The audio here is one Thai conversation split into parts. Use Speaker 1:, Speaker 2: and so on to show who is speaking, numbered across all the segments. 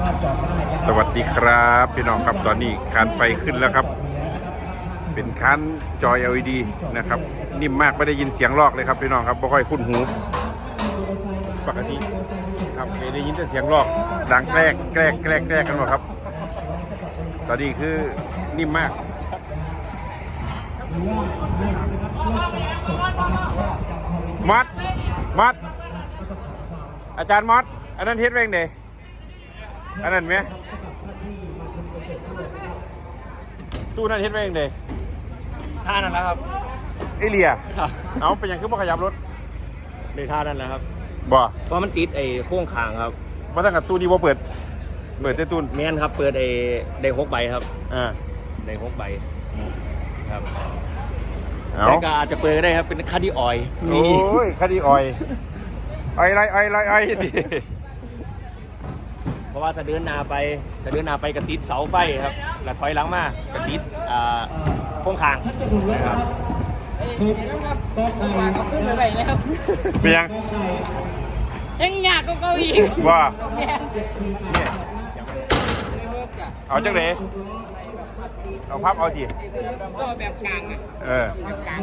Speaker 1: สวัสดีครับพี่น้องครับตอนนี้คานไฟขึ้นแล้วครับเป็นคานจอ LED นะครับนิ่มมากไม่ได้ยินเสียงลอกเลยครับพี่น้องครับไม่ค่อยคุ้นหูปกติครับไม่ได้ยินแต่เสียงลอกดังแกล้กันหมดครับตอนนี้คือนิ่มมากมอดอาจารย์มอดอันนั้นเฮ็ดเองเด้อันนั้นไหมตู้นั่นเฮ็ดเองเด้
Speaker 2: ท่านั่นแหละครับ
Speaker 1: ไอเลียเอาเป็นอย่างคือบ่ขยับรถ
Speaker 2: ในท่านั่นแหละครับ
Speaker 1: บ่
Speaker 2: เพราะมันติดไอ้โค้งคางครับ
Speaker 1: มาตั้งแต่ตู้นี้บ่เปิดแต่ตู้
Speaker 2: แม่นครับเปิดได้6 ใบครับได้6 ใบครับแต่ก็อาจจะเปิดก็ได้ครับเป็นคาร์ดิออย
Speaker 1: โอ้ยคาร์ดิออยดิ
Speaker 2: เพราะว่าถ้าเดินหน้าไปกระติดเสาไฟครับแล้วถอยหลังมากระติดโค้งคางนะครับ
Speaker 3: เอาขึ้นไปแล้ว
Speaker 1: เป็น
Speaker 3: ยังยากก็อีก
Speaker 1: ว่าเอาจังเลยเอาพับเอาที
Speaker 3: ก็แบบกลางอ่ะแบบกลาง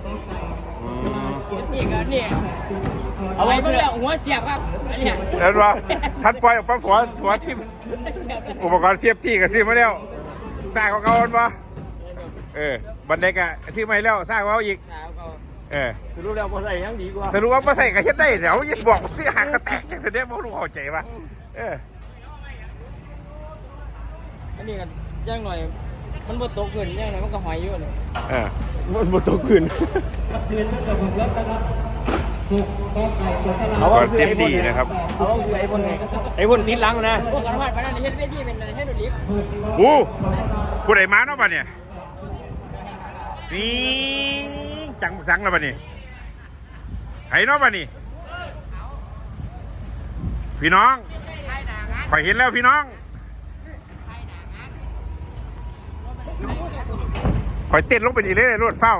Speaker 3: จริงๆเนี่ยเอาไว้เพื่อหัวเสียบครับอันนี้
Speaker 1: เห็นว่าทัดปล่อยออกไปหัวทิ่มอุปกรณ์เสียบที่กับซื้อมาแล้วสร้างของเขาอันวะบันไดกะซื้อมาแล้วสร้างเขาอีก
Speaker 2: สรุปแล้วพอใส่ยังดีกว่า
Speaker 1: สรุปว่าพอใส่ก็เฮ็ดได้เดี๋ยวยิ่งบอกซื้อหางกระแตกอย่างเดียวพวกลูกเข้าใจป่ะ
Speaker 3: อันนี้กันย่างหน่อยมันบดตกขึ้นย่างหน่อยมันก็หอยอยู่เลย
Speaker 2: มันบดตกขึ้น
Speaker 1: ก่อนเซฟตี้นะครับ
Speaker 2: เขาคือไอ้พ่นติดหลังนะ
Speaker 3: พวกกันวัดไปนั่นเฮ็ดเวทีเป็นให้ดูลิฟต์
Speaker 1: ผู้ใดมาเนาะป่ะเนี่ยนี่จังสังแล้วป่ะนี่ไห้เนาะป่ะนี่พี่น้องข่อยเห็นแล้วพี่น้องข่อยเต้นลงไปนี่เลยรถเฝ้า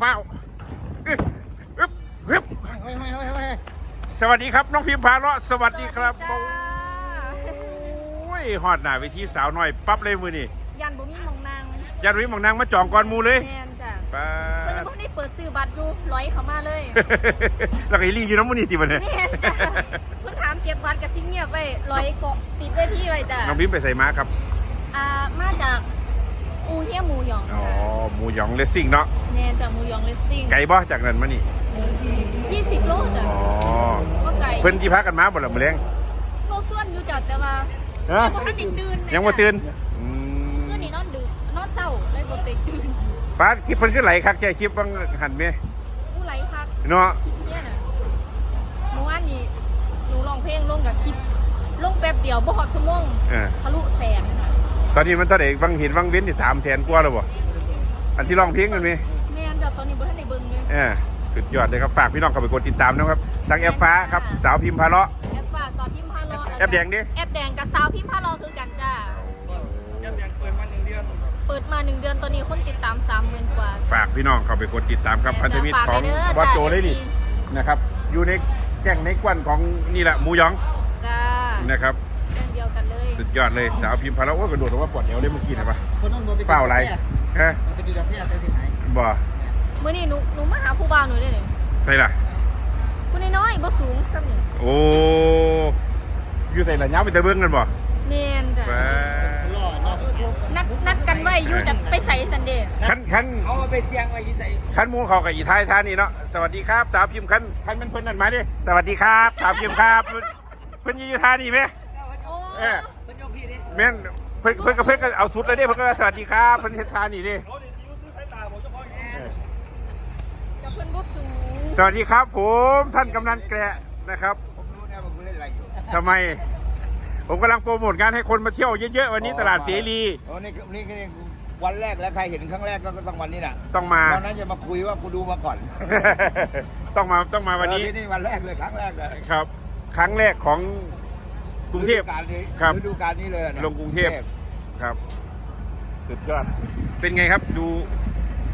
Speaker 1: สวัสดีครับน้องพิมพาเลาะสวัสดีครับโอ้ยฮอดหน้าเวทีสาวน้อยปั๊บเลยมือนี่
Speaker 3: ยันบ่มีมองนาง
Speaker 1: มาจ่องก่อนมูเลย
Speaker 3: แม่นจ้ะเพิ่นบ่ได้เปิดซื้อบัตรอยู่ร้อยเข้ามาเลย
Speaker 1: แล้วก็อีลี่อยู่น้ำมูนี่ติบัดเนี่ย
Speaker 3: เพิ่นถามเก็บบัตรกับซิงเงียบไว้ร้อยเกาะติดเวทีไว้จ้ะ
Speaker 1: น้องพิมไปใส่ม้าครับ
Speaker 3: มาจากอูเฮียหมูหยอง
Speaker 1: หมูหยองเลสซิ่งเนาะ
Speaker 3: แม่นจากหมูหยองเลสซิ่ง
Speaker 1: ไกลบ่จากนั้นมานี่
Speaker 3: 20 โลจ้ะ
Speaker 1: ก็ไกลเพิ่นที่พักกันมาบ่ล่ะมื้อแลง
Speaker 3: โลส่วนอยู่จ้ะแต่ว่าบ่ทันได้ตื่น
Speaker 1: ยังบ่ตื่น
Speaker 3: คืนนี้นอนดึกนอนเช้าเลยบ่ได้ตื่น
Speaker 1: ป้าคลิปเพิ่นคือไหลคักแค่คลิปบางหันแม่
Speaker 3: ผู้ไหลคัก
Speaker 1: เนาะ
Speaker 3: คลิปเนี้ยน่ะเมื่อวานนี้หนูร้องเพลงลงกับคลิปลงแป๊บเดียวบ่ฮอดชั่วโมงทะลุแสนค่ะ
Speaker 1: ตอนนี้มันเท่าไหร่บางเห็นบางเว้นนี่300,000 กว่าแล้วบ่อันที่ร้องเพลงกันมั้ย
Speaker 3: แม่นจ้ะตอนนี้บ่ทันได้เบิ่งเลย
Speaker 1: สุดยอดเลยครับฝากพี่น้องเข้าไปกดติดตามนะครับทางแอปฟ้าครับสาวพิมพ์พาเลาะ
Speaker 3: แอปฟ้าสาวพิมพ์พาเลาะ
Speaker 1: แอปแดงดิ
Speaker 3: แอปแดงกับสาวพิมพ์พาเลาะคือกันจ้า
Speaker 2: แอปแดงเปิดมา1 เ
Speaker 3: ดือนตอนนี้คนติดตาม 30,000 กว่า
Speaker 1: ฝากพี่น้องเข้าไปกดติดตามครับพันธมิตรของวัดโจได้ดินะครับอยู่ในแจ้งในกวนของนี่แหละหมูหยอง
Speaker 3: จ้า
Speaker 1: นะครับ
Speaker 3: เดียวกันเลย
Speaker 1: สุดยอดเลยสาวพิมพ์พาเลาะโอ้กระโดดออกมาปวดเอวเลยเมื่อกี้นะปะ
Speaker 2: เป
Speaker 1: ล่าอะไร
Speaker 2: ไปกินกาแฟได้ที่ไหน
Speaker 1: บ่
Speaker 3: มื้อนี้หนูมาหาผู้บ่าวหนูได้เลย
Speaker 1: ใช่ล่ะ
Speaker 3: ผู้น้อยบ่สูงซ้ำนี่
Speaker 1: โอ้อยู่ใส่ละย้ำไปตะเบิ้งกันบ่
Speaker 3: เนียนจ้ะนัดกันไว้อยู่จะไปใส่ซันเดย์
Speaker 1: คัน
Speaker 2: เขาไปเสียงไว้อยู่ใส่
Speaker 1: คันมูเขากับอีไทยท่านี่เนาะสวัสดีครับสาวพิมพ์คันมันเพิ่นนั่นมาดิสวัสดีครับสาวพิมพ์ครับเพิ่นอยู่ท่านี่ไหม
Speaker 3: เพิ่
Speaker 1: นยกพี่ดิแม่นเพิ่นก็เอาสุดเลยดิเพิ่นก็สวัสดีครับเพิ่นเฮ็ดท่านี่ดิสวัสดีครับผมท่านกำนันแกะนะครับทำไมผมกำลังโปรโมทงานให้คนมาเที่ยวเยอะๆวันนี้ตลาดเสรี
Speaker 2: นี่วันแรกแล้วใครเห็นครั้งแรกก็ต้องวันนี้น่ะ
Speaker 1: ต้องมา
Speaker 2: ตอนนั้นจะมาคุยว่ากูดูมาก่อน
Speaker 1: ต้องมาวันนี้
Speaker 2: นี่วันแรกเลยครั้งแรกเลย
Speaker 1: ครับครั้งแรกของกรุงเทพครับ
Speaker 2: ฤดูกาลนี้เลย
Speaker 1: ลงกรุงเทพครับสุดยอดเป็นไงครับดู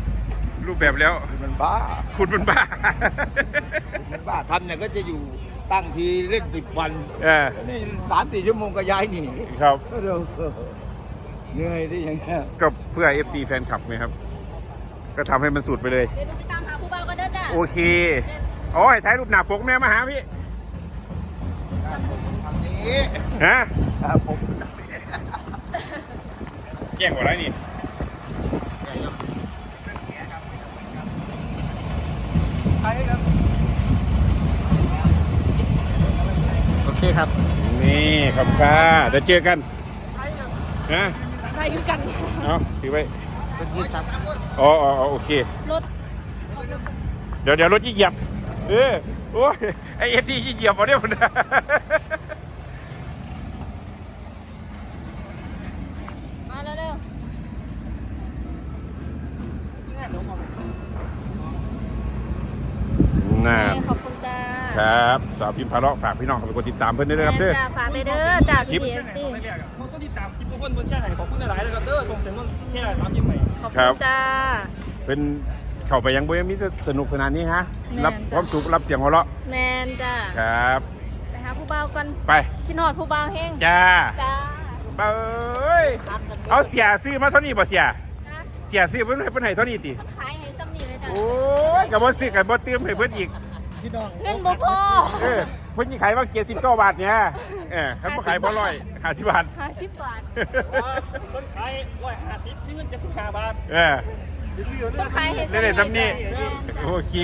Speaker 1: รูปแบบแล้ว
Speaker 2: มันบ้า
Speaker 1: คุณมันบ้า
Speaker 2: ทำเนี่ยก็จะอยู่
Speaker 4: ตั้งทีเล่น10 วัน นี่3-4 ชั่วโมงก็ย้ายหนี
Speaker 1: ครับ
Speaker 4: เหนื่อยที่อย่างเงี้ย
Speaker 1: ก็เพื่อ FC แฟนคลับไงครับ ก็ทำให้มันสุดไปเลย
Speaker 3: เดี๋ยวหนูไปตามหาผู้บ่าวกันเด้อจ้ะ
Speaker 1: โอเคโอ้ยถ่ายรูปหน้าปกแม่มาหาพี่
Speaker 4: ทางนี้
Speaker 1: ฮะ
Speaker 4: ผม
Speaker 1: แย่งกว่าไรนี่
Speaker 4: โอเคครับ
Speaker 1: นี่ขอบคุณค่ะเดี๋ยวเจอกันฮะ
Speaker 3: ใครคือกัน
Speaker 1: เอาถือไว้
Speaker 4: เป็นยืดซับ
Speaker 1: อ๋อโอเค
Speaker 3: รถ
Speaker 1: เดี๋ยวรถยี่เหยียบโอ้ยไอเอ็ดดี้ยี่เหยียบเอาเนี่ยมัน
Speaker 3: มาเร็ว
Speaker 1: น่า
Speaker 3: ๆขอบคุณจ้า
Speaker 1: ครับสาวพิมพ์พาเลาะฝากพี่น้องเข้าไปกดติดตามเพื่อนด้วยนะครับเด้อ
Speaker 3: จ้าฝากไปเด้อจ้าพี่เอฟซี
Speaker 5: คนก็ติดตามคลิปพวกคนบนแช่ไหนขอบคุณหลายๆเลยครับเด้อส่งเสียงนนแช่ไหนตามยิ้มใหม่
Speaker 3: ขอบคุณจ้า
Speaker 1: เป็นเข้าไปยังบ่ยังมีแต่สนุกสนานนี้ฮะ
Speaker 3: แม่น
Speaker 1: รับ
Speaker 3: จ้ะ
Speaker 1: ความสุขรับเสียงหัวเราะ
Speaker 3: แมนจ้า
Speaker 1: ครับ
Speaker 3: ไปหาผู้บ่าวกัน
Speaker 1: ไป
Speaker 3: คิดฮอดผู้บ่าวแห้ง
Speaker 1: จ้า
Speaker 3: จ้า
Speaker 1: เอ้ยเอาเสียซื้อมาเท่านี้บ่เสีย
Speaker 3: นะ
Speaker 1: เสียซื้อเพิ่นให้เท่านี้ติ
Speaker 3: ขายให้ซ้ำนี่เลยจ้า
Speaker 1: โอ้ยกับบ่ซื้อกับบ่เติมให้เพิ่นอีก
Speaker 4: พี่น้อง
Speaker 3: เงินบ่พอ
Speaker 1: เพิ่นสิขายว่า79 บาทเนี่ยคันบ่ขายบ่ร้อย50 บาท
Speaker 3: 50 บาท
Speaker 5: คนขาย150ที่เงิน75 บาท ซื้อ
Speaker 3: ต้องขายให้
Speaker 1: ได้เลยซ้ำนี่
Speaker 3: แม่นจ้ะ
Speaker 1: โอเค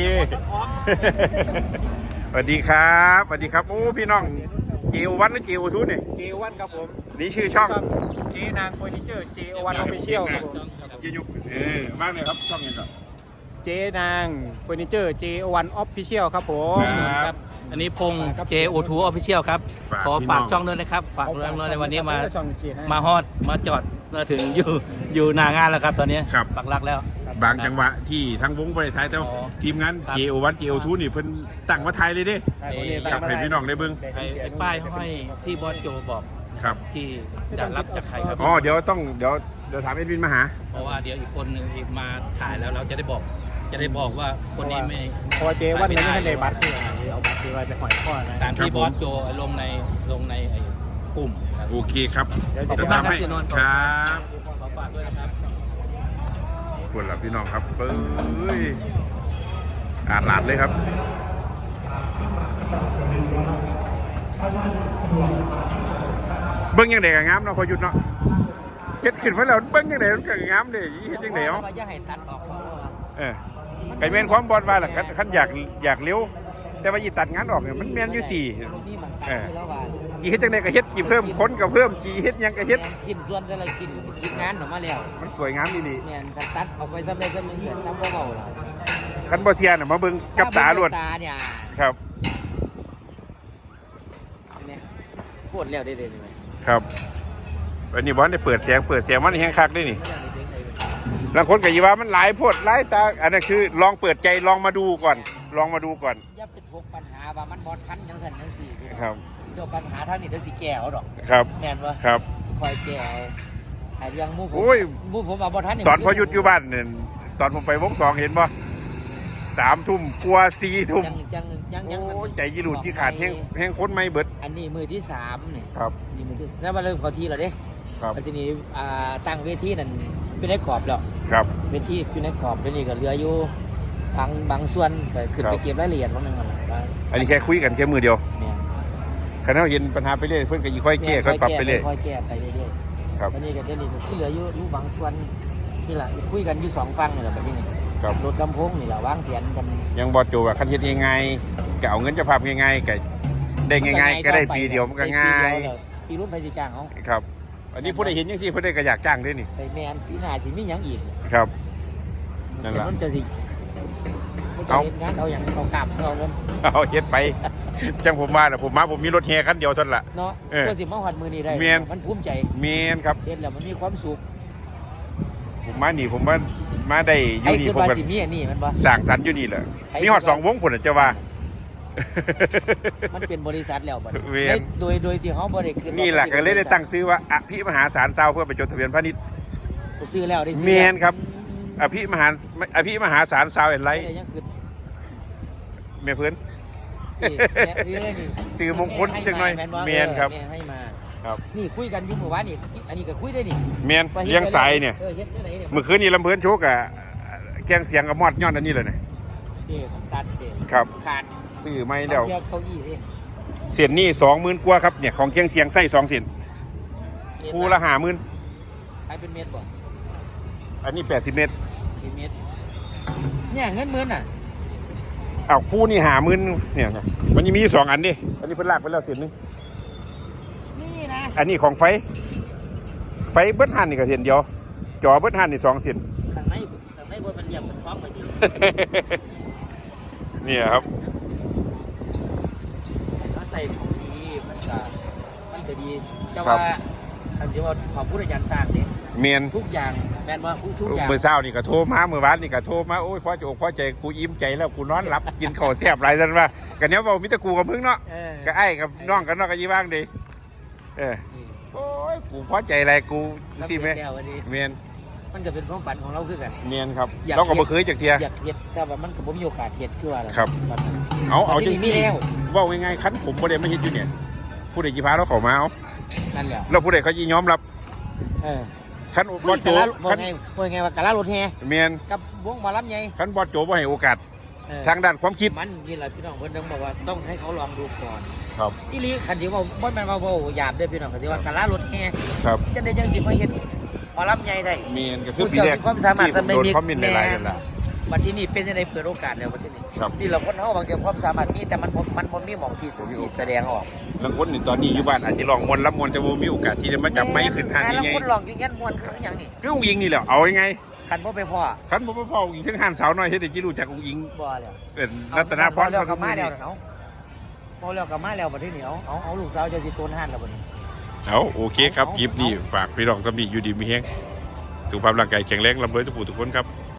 Speaker 1: สวัสดีครับสวัสดีครับโอ้พี่น้องเจโอวันหรือเจโอทูนี่
Speaker 4: เจวันครับผม
Speaker 1: นี่ชื่อช่อง
Speaker 4: เจนางเฟอร์นิเจอร์เจวันออฟฟิเชียลครับผม
Speaker 1: ยืนยุกมากเลยครับช่องนี้ก่อน
Speaker 4: เจนางเฟอร์นิเจอร์เจวันออฟฟิเชียลครับผม
Speaker 1: ครับ
Speaker 6: อันนี้พงษ์ JO2 Official ครับ
Speaker 1: ฝาก
Speaker 6: ขอ
Speaker 1: พี่น้
Speaker 6: ฝา
Speaker 1: อก ง
Speaker 6: ช่องด้วยนะครับ ฝากเรื่องในวันนี้มา
Speaker 4: ช่องเจให้
Speaker 6: มาฮอด มาจอด มาถึงอยู่หน้างานแล้วครับตอนนี้
Speaker 1: ครับ
Speaker 6: ปักหลักแล้ว
Speaker 1: บางจังหวะที่ทั้งวงบริษัทแต่
Speaker 6: อ๋อ
Speaker 1: ทีมงาน
Speaker 6: ครับ
Speaker 1: JO1 JO2 นี่เพิ่นตั้งมาไทยเลยเด้ กลับให้พี่น้องได้เบิ่ง
Speaker 6: ไอ้ป้ายห้อยที่บอสโจบอก
Speaker 1: ครับ
Speaker 6: ที่จะรับจากใครครับ
Speaker 1: อ๋อเดี๋ยวถามเอ็ดวินมาหา
Speaker 6: เพราะว่าเดี๋ยวอีกคนหนึงอีกมาถ่ายแล้วเราจะได้บอกว่าคนนี้ไม่
Speaker 4: พอเจวันนี้ไม่ได้บัตรที่เอาบัตรที่ไว้ไปหอยข้อนะ
Speaker 6: ตามที่บอสโจลงในไอ้กลุ่มครับ
Speaker 1: โอเคครับ
Speaker 6: ขอบคุณ
Speaker 1: เดี๋ยวตาม
Speaker 6: มากครับ
Speaker 1: ให้
Speaker 6: เสียนนท์
Speaker 1: ครับ
Speaker 6: ขอฝากด้วยนะครับ
Speaker 1: ปวดหลับพี่น้องครับเอ้ยอาดหลาดเลยครับ เบิ้งยังไงกับงามเนาะพอหยุดเนาะเฮ็ดขึ้นมาแล้วเบิ้งยังไงมันก็งามเด้เฮ็ดยังไงเนาะ
Speaker 6: อย่าให้ตัดออก
Speaker 1: ไก่แม่นความบอลว่าล่ะคันอยากเร็ว แต่ว่าอีตัดงานออกเนี่ยมันแม่นอยู่ตีกี่เฮ็ดจังได๋ก็เฮ็ดกี่เพิ่มคนก็เพิ่มกี่เฮ็ดหยังก็เฮ็ด
Speaker 7: กินส่วนแต่ละกินคิดงานออกมาแล้ว
Speaker 1: มันสวยงามดี
Speaker 7: แม่นกันตัดออกไปซ้ำได้ซ้ำหนึงเดือดซ้ำบ่เบาล่ะ
Speaker 1: คันบ่เสียน่ะมาเบิ่งกับตาล้วน
Speaker 7: ตาเนี่ย
Speaker 1: ครับ
Speaker 7: เนี่ยโคตรแล้วได้เลยไหม
Speaker 1: ครับวันนี้บอลได้เปิดเสียงมันแห้งคักด้วยนี่บางคนก็ยีว่ามันหลายโพดหลายตาอันนั้นคือลองเปิดใจลองมาดูก่อน
Speaker 7: อย่าไปทกปัญหาว่ามันบอดคันจังซั่นจังซี่
Speaker 1: ครับ
Speaker 7: เดี๋ยวปัญหาทางนี้เดี๋ยวสิแก้เอาดอก
Speaker 1: ครับ
Speaker 7: แม่นบ่
Speaker 1: ครับ
Speaker 7: คอยแก้เอาไอ้เรื่องหมู่ผม
Speaker 1: โอ้ย
Speaker 7: หมู่ผมว่าบ่ทันนี่
Speaker 1: ตอนพอหยุดอยู่บ้านเนี่ยตอนผมไปวง2เห็นป่ะ3 ทุ่มกลัว4 ทุ่ม
Speaker 7: ยัง
Speaker 1: โอ้ยใจยีหลุดที่ขาดแห้งคนไม่เบิด
Speaker 7: อันนี้มือที่3นี่
Speaker 1: ครับ
Speaker 7: นี่มือที่แล้วมาเริ่มเข้าที่แล้วเด้
Speaker 1: ครับ
Speaker 7: แล้วทีนี้ตั้งเวทีนั่นเป็นได้กรอบแล้ว
Speaker 1: ครับ
Speaker 7: เวทีอยู่ในกรอบเดี๋ยวนี้ก็เหลืออยู่บางส่วนก็ขึ้น
Speaker 1: ครับ
Speaker 7: ไปเก็บรายละเอียดของนึงก่อนว่า
Speaker 1: อันนี้แค่คุยกันแค่มือเดียว
Speaker 7: เนี่ย
Speaker 1: คันเราเห็นปัญหาไปเรื่อยเพื่อนก็ค่อยแก้ค่อยปรับไปเรื่อย
Speaker 7: ค่อยแก้ไปเรื่อย
Speaker 1: ครับ
Speaker 7: ๆวันนี้ก็เดี๋ยวนี้ก็เหลืออยู่บางส่วนนี่แหละคุยกันอยู่2ฝั่งนี่แหละบัดนี้นี่
Speaker 1: ครับ
Speaker 7: รถลำโพงนี่แหละวางแผนกัน
Speaker 1: ยังบอดโจว่าคันเฮ็ดยังไงก็เอาเงินเจะภาพยังไงก็ได้ง่ายๆก็ได้ปีเดียวมันก็ง่าย
Speaker 7: ปีรุ่นไปสิจ้างเขา
Speaker 1: ครับ อันนี้ผู้ได้เห็นยังที่ผู้ได้ก็อยากจ้างด้วยนี่
Speaker 7: ไปแมนปีหน้าสิมีหยังอีก
Speaker 1: ครับ นั่น
Speaker 7: เดี๋ย
Speaker 1: แหละ
Speaker 7: วมันจะสิมันจะ
Speaker 1: เอา
Speaker 7: เห็นงานเอาอย่างเอากลับเอาเงิน
Speaker 1: เอาเฮ็ดไป จังผมมาน่ะผมมีรถแห่คันเดียวเท่านั้นล่ะ
Speaker 7: เนาะ
Speaker 1: เออ
Speaker 7: ก็สิมาฮอดมือนี้ได้
Speaker 1: แม่น
Speaker 7: มันภูมิใจ
Speaker 1: เมนครับ
Speaker 7: เฮ็ดแล้วมันมีความสุข
Speaker 1: ผมมาได้อ
Speaker 7: ใคร
Speaker 1: ยู่นี่
Speaker 7: คิด
Speaker 1: ผม
Speaker 7: ว่า
Speaker 1: ก็
Speaker 7: สิมีอันนี้มันบ่
Speaker 1: สร้างสรรค์อยู่นี่แหละ
Speaker 7: ใคร
Speaker 1: มีฮอด2 วงพุ่นน่ะจะว่า
Speaker 7: มันเป็นบริษัทแล้วบัดนี้
Speaker 1: เวียน
Speaker 7: โดยที่เขาบ่ได้คิดว่า
Speaker 1: นี่แหละก็เลยได้ตั้งชื่อว่าอภิมหาศาลเซาเพื่อไปจดทะเบียนพาณิชย์
Speaker 7: ซื้อแล้วได้ซื้
Speaker 1: เมนครับ อภิมหาศาลซาวเอ็นไลท์
Speaker 7: ได้ยังคือ
Speaker 1: เมียเพื่อน
Speaker 7: นี่นี่
Speaker 1: สื่อมงคลจังหน่อยเมียนครับ
Speaker 7: ให้มา
Speaker 1: ครับ
Speaker 7: นี่คุยกันอยู่เมื่อวานนี่อันนี้ก็คุยได้นี่
Speaker 1: เมียนเลี้ยงสายเนี่ย
Speaker 7: เฮ็ดที่ไหนเนี่ย
Speaker 1: เมื่อคืนนี้ลำเพลินโชกอะแกงเสียงกับมอดย้อนอันนี้เลยเนี่ย
Speaker 7: ผมตัดเด็
Speaker 1: ครับ
Speaker 7: ขาด
Speaker 1: ซื้อไม่แล้ว
Speaker 7: เก้าอี้นี่
Speaker 1: เสียนนี่20,000กว่าครับเนี่ยของเคียงเสียงไส้2เสียนคู่ละ50,000
Speaker 7: ใครเป็นเม็ดบ่
Speaker 1: อันนี้80เมตร
Speaker 7: 4เม็ดเนี่ยเงินหมื่นอ่ะ
Speaker 1: อ้าวคู่นี่50,000เนี่ยครับมันยังมีอยู่2อันดิอันนี้เพิ่นลากไปแล้วเสียนหนึง
Speaker 7: นี่นะ
Speaker 1: อันนี้ของไฟเบิดหันนี่ก็เสียนเดียวจอเบิดหันนี่2เสียน
Speaker 7: ข้างในว่ามันเรียบมันพร้อมเลยดิ
Speaker 1: เนี่ยครับ
Speaker 7: ถ้าใส่ของดีมันจะดีแต่ว่าอันที่ว่าขอพูดอาจารย์สร้างเนี่ย
Speaker 1: เมียน
Speaker 7: ทุกอย่างแมนว่าทุกอย่าง
Speaker 1: เมื่อเช้านี่ก็โทรมาเมื่อวานนี่ก็โทรมาโอ้ยพ่อจะอกพ่อใจกูอิ่มใจแล้วกูนอนหลับ กินข้าวแซ่บหลายซั่นว่ากันเนี้ยเว้ามีแต่กูกับมึงเนาะก็ไอ้กับน้องกันเนาะก็ยี่บ้างดีโอ้ยกูพอใจอะไรกูสิแม่เมียน
Speaker 7: มันก็เป็นความฝันของเราคือกัน
Speaker 1: เมียนครับเราก็บ่เคยจักเที่ย
Speaker 7: อยากเฮ็ดแต่ว่ามันก็บ่มีโอกาสเฮ็ดคือว่า
Speaker 1: ครับ เอาจัง
Speaker 7: มี
Speaker 1: ซี่
Speaker 7: แล้ว
Speaker 1: เว้าง่ายๆคันผมบ่ได้มาเฮ็ดอยู่เนี่ยผู้ใดสิพาเราเข้ามาเอา
Speaker 7: นั่นแหละ
Speaker 1: แล้วผู้ใดเขาสิยอมรับ คันบอดโจ
Speaker 7: คันว่าไงว่ากะลารถแห่
Speaker 1: เมียน
Speaker 7: กับวงหมอลำใหญ่
Speaker 1: คันบอดโจบ่ให้โอกาสทางด้านความคิด
Speaker 7: มันนี่แหละพี่น้องเพิ่นต้องบอกว่าต้องให้เขาลองดูก่อน
Speaker 1: ครับ
Speaker 7: อีหลีคันที่ว่าบ่แม่นว่าเว้าหยาบเด้อพี่น้องคันที่ว่ากะลารถแห่
Speaker 1: ครับ
Speaker 7: จังได๋จังสิมาเฮ็ดหมอลำใหญ่ได้
Speaker 1: เมียนก็คือปีแรก
Speaker 7: มีความสามารถ
Speaker 1: ที่ผมโดนคอมเมนต์หลายๆนั่นล่ะ
Speaker 7: บัดนี้เป็นจังได๋เปิดโอกาสแล้วบัดนี้
Speaker 1: ครับ
Speaker 7: นี่เราคนเฮาบางทีความสามารถมีแต่มันบ่มีหม่องที่สิแสดงออก
Speaker 1: บางคนนี่ตอนนี้อยู่บ้านอาจจะลองมวนรับมวนแต่บ่มีโอกาสที่จะมาจับไม้ขึ้นห้าง
Speaker 7: แล้ว
Speaker 1: ใหญ่
Speaker 7: คนลองอยู่งั้นม่วนคือหยังนี่
Speaker 1: ๆคืออุ้งอิงนี่แหละเอายังไง
Speaker 7: คันบ่ไปพ่อ
Speaker 1: คันบ่ไปเฝ้าอุ้งอิงทั้งห้านสาวน้อยเฮ็ดให้จิรู้จักอุ้งอิง
Speaker 7: บ่แล้ว
Speaker 1: เป็นรัตนพร
Speaker 7: แล้วก็มาแล้วเนาะพอแล้วก็มาแล้วบัดนี้เอาลูกสาวจะสิโตนห้านแล้วบัดนี้
Speaker 1: เอาโอเคครับคลิปนี้ฝากพี่น้องสำนีอยู่ดีมีแฮงสุขภาพร่างกายแข็งแรงร่ำรวยทุกผู้ทุกคนครับ